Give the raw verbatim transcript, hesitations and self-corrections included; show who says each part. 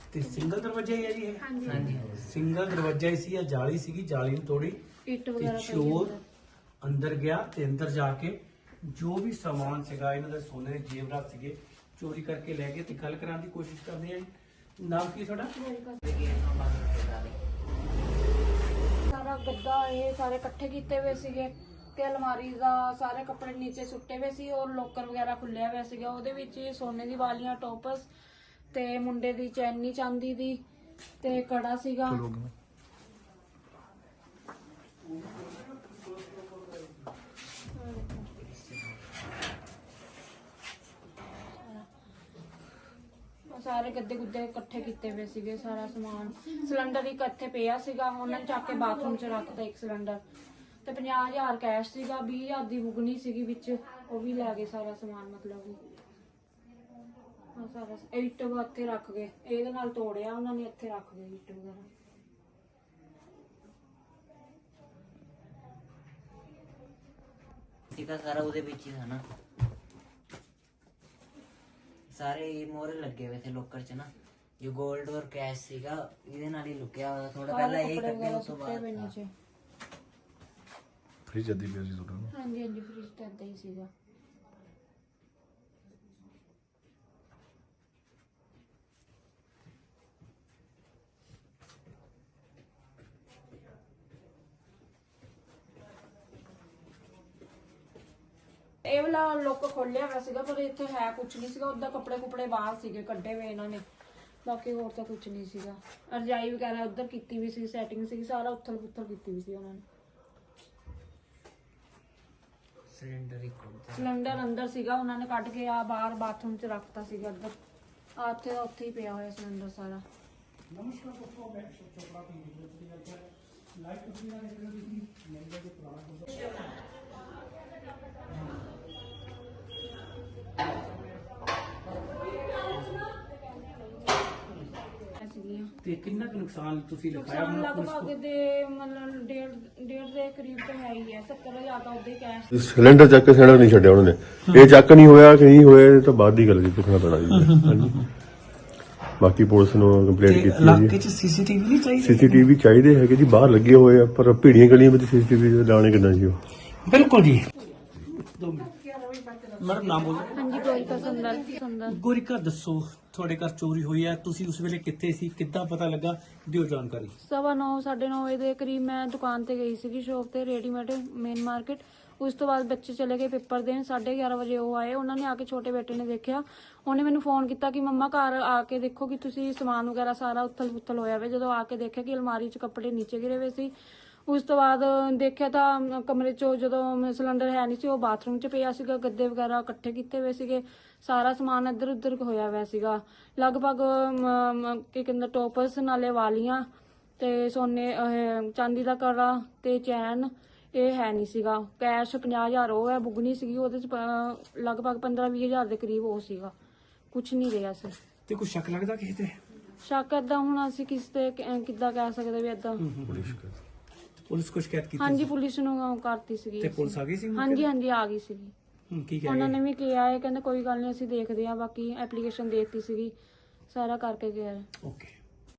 Speaker 1: ਤੇ ਸਿੰਗਲ ਦਰਵਾਜ਼ਾ ਹੀ ਹੈ ਜੀ ਇਹ? ਹਾਂਜੀ ਸਿੰਗਲ ਦਰਵਾਜ਼ਾ ਹੀ ਸੀ, ਜਾਲੀ ਸੀਗੀ, ਜਾਲੀ ਨੂੰ ਤੋੜੀ
Speaker 2: ਇੱਟ ਵਗੈਰਾ
Speaker 1: ਤੇ ਚੋਰ ਅੰਦਰ ਗਿਆ ਤੇ ਅੰਦਰ ਜਾ ਕੇ ਜੋ ਵੀ ਸਮਾਨ ਸੀਗਾ ਇਹਨਾਂ ਦੇ ਸੋਨੇ ਦੇ ਜੇਵਰਾਤ ਸੀਗੇ ਚੋਰੀ ਕਰਕੇ ਲੈ ਗਏ। ਤੇ ਗੱਲ ਕਰਾਉਣ ਦੀ ਕੋਸ਼ਿਸ਼ ਕਰਦੇ ਆ ਜੀ। ਨਾਮ ਕੀ ਤੁਹਾਡਾ?
Speaker 2: ਸਾਰਾ ਗੱਦਾ ਇਹ ਸਾਰੇ ਇਕੱਠੇ ਕੀਤੇ ਹੋਏ ਸੀਗੇ ਤੇ ਅਲਮਾਰੀ ਦਾ ਸਾਰੇ ਕੱਪੜੇ ਨੀਚੇ ਸੁੱਟੇ ਹੋਏ ਸੀ ਔਰ ਲੋਕਰ ਵਗੈਰਾ ਖੁੱਲਿਆ ਹੋਇਆ ਸੀਗਾ। ਉਹਦੇ ਵਿੱਚ ਸੋਨੇ ਦੀ ਵਾਲੀਆਂ, ਟੋਪਸ ਤੇ ਮੁੰਡੇ ਦੀ ਚੈਨੀ ਚਾਂਦੀ ਦੀ ਤੇ ਕੜਾ ਸੀਗਾ। ਸਾਰੇ ਗੱਦੇ ਗੁੱਦੇ ਇਕੱਠੇ ਕੀਤੇ ਹੋਏ ਸੀਗੇ, ਸਾਰਾ ਸਮਾਨ। ਸਿਲੰਡਰ ਇੱਕ ਇੱਥੇ ਪਿਆ ਸੀਗਾ, ਉਹਨਾਂ ਨੇ ਚੱਕ ਕੇ ਬਾਥਰੂਮ 'ਚ ਰੱਖਤਾ ਇੱਕ ਸਿਲੰਡਰ। ਤੇ ਪੰਜਾਹ ਹਜ਼ਾਰ ਕੈਸ਼ ਸੀਗਾ, ਵੀਹ ਹਜ਼ਾਰ ਦੀ ਬੁਗਨੀ ਸੀਗੀ ਵਿੱਚ, ਉਹ ਵੀ ਲੈ ਗਏ ਸਾਰਾ ਸਮਾਨ। ਮਤਲਬ ਵੀ ਹਾਂ ਸਾਰਾ ਇੱਟ ਇੱਥੇ ਰੱਖ ਗਏ, ਇਹਦੇ ਨਾਲ ਤੋੜਿਆ ਉਹਨਾਂ ਨੇ, ਇੱਥੇ ਰੱਖ ਗਏ ਇੱਟ ਵਗੈਰਾ।
Speaker 3: ਸੀਗਾ ਸਾਰਾ ਉਹਦੇ ਵਿੱਚ ਹੀ ਨਾ, ਸਾਰੇ ਮੋਹਰੇ ਲੱਗੇ ਹੋਏ थे ਲੋਕਰ ਚ ਨਾ, ਜੋ 골ਡ ਔਰ ਕੈਸ਼ ਸੀਗਾ ਇਹਦੇ ਨਾਲ ਹੀ ਲੁਕਿਆ ਹੋਇਆ। ਥੋੜਾ ਪਹਿਲਾਂ ਇਹ ਕੱਢਿਆ, ਉਸ ਤੋਂ ਬਾਅਦ
Speaker 4: ਫ੍ਰਿਜ ਅੱਧੀ ਪਿਆ ਸੀ ਤੁਹਾਡਾ?
Speaker 2: ਹਾਂਜੀ ਹਾਂਜੀ ਫ੍ਰਿਜ ਤਾਂ ਏਦਾਂ ਹੀ ਸੀਗਾ। ਇਹ ਵਾਲਾ ਲੋਕ ਖੋਲਿਆ ਹੋਇਆ ਸੀਗਾ ਪਰ ਇੱਥੇ ਹੈ ਕੁਝ ਨਹੀਂ ਸੀਗਾ। ਉਹਦਾ ਕੱਪੜੇ ਕੁਪੜੇ ਬਾਹਰ ਸੀਗੇ ਕੱਢੇ ਹੋਏ ਇਹਨਾਂ ਨੇ, ਬਾਕੀ ਹੋਰ ਤਾਂ ਕੁਝ ਨਹੀਂ ਸੀਗਾ। ਰਜਾਈ ਵਗੈਰਾ ਉੱਧਰ ਕੀਤੀ ਵੀ ਸੀ, ਸੈਟਿੰਗ ਸੀ, ਸਾਰਾ ਉੱਥਲ ਪੁੱਥਲ ਕੀਤੀ ਵੀ ਸੀ ਉਹਨਾਂ ਨੇ।
Speaker 3: ਸਿਲੰਡਰ ਹੀ ਖੋਲ
Speaker 2: ਸਿਲੰਡਰ ਅੰਦਰ ਸੀਗਾ, ਉਹਨਾਂ ਨੇ ਕੱਢ ਕੇ ਆ ਬਾਹਰ ਬਾਥਰੂਮ 'ਚ ਰੱਖਤਾ ਸੀਗਾ ਅੰਦਰ। ਆ ਉੱਥੇ ਦਾ ਉੱਥੇ ਹੀ ਪਿਆ ਹੋਇਆ ਸਿਲੰਡਰ ਸਾਰਾ।
Speaker 1: ਨਮਸਕਾਰ ਦੋਸਤੋ, ਮੈਂ ਅਸ਼ੋਕ ਚੋਪੜਾ ਦੀ ਵੀਡੀਓ ਦੀ ਗੱਲ ਕਰ ਲਾਈਵ ਤਸਵੀਰਾਂ ਦੇਖ ਰਹੇ ਹੋ ਤੁਸੀਂ ਨੰਬਰ ਦੇ ਪੁਰਾਣਾ ਤੇ ਕਿੰਨਾ ਕੁ ਨੁਕਸਾਨ ਤੁਸੀਂ ਲਿਖਾਇਆ?
Speaker 2: ਨੁਕਸਾਨ ਲਗਭਗ ਦੇ ਮਤਲਬ ਡੇਢ ਡੇਢ ਦੇ ਕਰੀਬ ਤਾਂ ਹੈ ਹੀ ਹੈ। ਸੱਤਰ ਹਜ਼ਾਰ ਤਾਂ ਉਹਦੇ ਕੈਸ਼।
Speaker 4: ਸਿਲੰਡਰ ਚੱਕ ਕੇ ਸਿਲੰਡਰ ਨਹੀਂ ਛੱਡਿਆ ਉਹਨਾਂ ਨੇ। ਇਹ ਚੱਕ ਨਹੀਂ ਹੋਇਆ ਕਿ ਨਹੀਂ ਹੋਇਆ ਇਹ ਤਾਂ ਬਾਅਦ ਦੀ ਗੱਲ ਜੀ, ਦੇਖਣਾ ਪੈਣਾ ਜੀ। ਹਾਂਜੀ ਬਾਕੀ ਪੁਲਿਸ ਨੂੰ ਕੰਪਲੇਂਟ ਕੀਤੀ ਹੈ ਜੀ।
Speaker 1: ਇਲਾਕੇ 'ਚ ਸੀਸੀਟੀਵੀ ਨਹੀਂ ਚਾਹੀਦੀ?
Speaker 4: ਸੀਸੀਟੀਵੀ ਚਾਹੀਦੇ ਹੈਗੇ ਜੀ, ਬਾਹਰ ਲੱਗੇ ਹੋਏ ਆ ਪਰ ਭੀੜੀਆਂ ਗਲੀਆਂ ਵਿੱਚ ਸੀਸੀਟੀਵੀ ਲਾਣੇ ਕਿੱਦਾਂ ਜੀ ਉਹ?
Speaker 1: ਬਿਲਕੁਲ ਜੀ। ਦੋ ਮਿੰਟ ਮੈਡਮ, ਨਾਮ ਬੋਲੋ।
Speaker 2: ਹਾਂਜੀ ਗੋਰਿਕਾ ਸੁੰਦਰ ਸੁੰਦਰ।
Speaker 1: ਗੋਰਿਕਾ ਦੱਸੋ, ਤੁਹਾਡੇ ਘਰ ਚੋਰੀ ਹੋਈ ਹੈ, ਤੁਸੀਂ ਉਸ ਵੇਲੇ ਕਿੱਥੇ ਸੀ, ਕਿੱਦਾਂ ਪਤਾ ਲੱਗਾ, ਦਿਓ ਜਾਣਕਾਰੀ।
Speaker 2: ਸਵਾ ਨੌ ਸਾਢੇ ਨੌ ਵਜੇ ਦੇ ਕਰੀਬ ਮੈਂ ਦੁਕਾਨ ਤੇ ਗਈ ਸੀਗੀ, ਸ਼ੋਪ ਤੇ, ਰੈਡੀਮੇਡ ਮੇਨ ਮਾਰਕੀਟ। ਉਸ ਤੋਂ ਬਾਅਦ ਬੱਚੇ ਚਲੇ ਗਏ ਪੇਪਰ ਦੇਣ, ਸਾਢੇ ਗਿਆਰਾਂ ਵਜੇ ਉਹ ਆਏ। ਉਹਨਾਂ ਨੇ ਆ ਕੇ ਛੋਟੇ ਬੇਟੇ ਨੇ ਦੇਖਿਆ, ਉਹਨੇ ਮੈਨੂੰ ਫੋਨ ਕੀਤਾ ਕਿ ਮੰਮਾ ਘਰ ਆ ਕੇ ਦੇਖੋ ਕਿ ਤੁਸੀਂ ਸਮਾਨ ਵਗੈਰਾ ਸਾਰਾ ਉੱਥਲ ਪੁੱਥਲ ਹੋਇਆ ਵੇ। ਜਦੋਂ ਆ ਕੇ ਦੇਖਿਆ ਕਿ ਅਲਮਾਰੀ 'ਚ ਕੱਪੜੇ ਨੀਚੇ ਗਿਰੇ ਹੋਏ ਸੀ। ਉਸ ਤੋਂ ਬਾਅਦ ਦੇਖਿਆ ਤਾਂ ਕਮਰੇ 'ਚੋਂ ਜਦੋਂ ਸਿਲੰਡਰ ਹੈ ਨਹੀਂ ਸੀ, ਉਹ ਬਾਥਰੂਮ 'ਚ ਪਿਆ ਸੀਗਾ। ਗੱਦੇ ਵਗੈਰਾ ਇਕੱਠੇ ਕੀਤੇ ਹੋਏ ਸੀਗੇ, ਸਾਰਾ ਸਮਾਨ ਇੱਧਰ ਉੱਧਰ ਹੋਇਆ ਹੋਇਆ ਸੀਗਾ। ਲਗਭਗ ਕੀ ਕਹਿੰਦਾ ਟੋਪਸ, ਨਾਲੇ ਵਾਲੀਆਂ ਤੇ ਸੋਨੇ ਚਾਂਦੀ ਦਾ ਕੜਾ ਤੇ ਚੈਨ, ਇਹ ਹੈ ਨਹੀਂ ਸੀਗਾ। ਕੈਸ਼ ਪੰਜਾਹ ਹਜ਼ਾਰ ਉਹ ਹੈ, ਬੁਗਨੀ ਸੀਗੀ, ਉਹਦੇ 'ਚ ਲਗਭਗ ਪੰਦਰਾਂ ਵੀਹ ਹਜ਼ਾਰ ਦੇ ਕਰੀਬ ਉਹ ਸੀਗਾ। ਕੁਛ ਨਹੀਂ ਰਿਹਾ ਸੀ।
Speaker 1: ਤੇ ਕੋਈ ਸ਼ੱਕ ਲੱਗਦਾ ਕਿਸੇ ਤੇ?
Speaker 2: ਸ਼ੱਕ ਏਦਾਂ ਹੁਣ ਅਸੀਂ ਕਿਸੇ ਤੇ ਕਿੱਦਾਂ ਕਹਿ ਸਕਦੇ ਵੀ ਏਦਾਂ।
Speaker 1: ਪੁਲਿਸ ਕੁਝ ਸ਼ਿਕਾਇਤ ਕੀਤੀ?
Speaker 2: ਹਾਂਜੀ ਪੁਲਿਸ ਨੂੰ ਕਰਤੀ ਸੀਗੀ।
Speaker 1: ਤੇ ਪੁਲਿਸ ਆ ਗਈ ਸੀ?
Speaker 2: ਹਾਂਜੀ ਹਾਂਜੀ ਆ ਗਈ ਸੀਗੀ।
Speaker 1: ਹੂੰ, ਕੀ
Speaker 2: ਉਹਨਾਂ
Speaker 1: ਕਹਿ
Speaker 2: ਨੇ ਵੀ ਕਿਹਾ ਹੈ, ਕਹਿੰਦੇ ਕੋਈ ਗੱਲ ਨਹੀਂ ਅਸੀਂ ਦੇਖਦੇ ਆ। ਬਾਕੀ ਐਪਲੀਕੇਸ਼ਨ ਦੇਤੀ ਸੀਗੀ, ਸਾਰਾ ਕਰਕੇ ਗਿਆ।
Speaker 1: ਓਕੇ।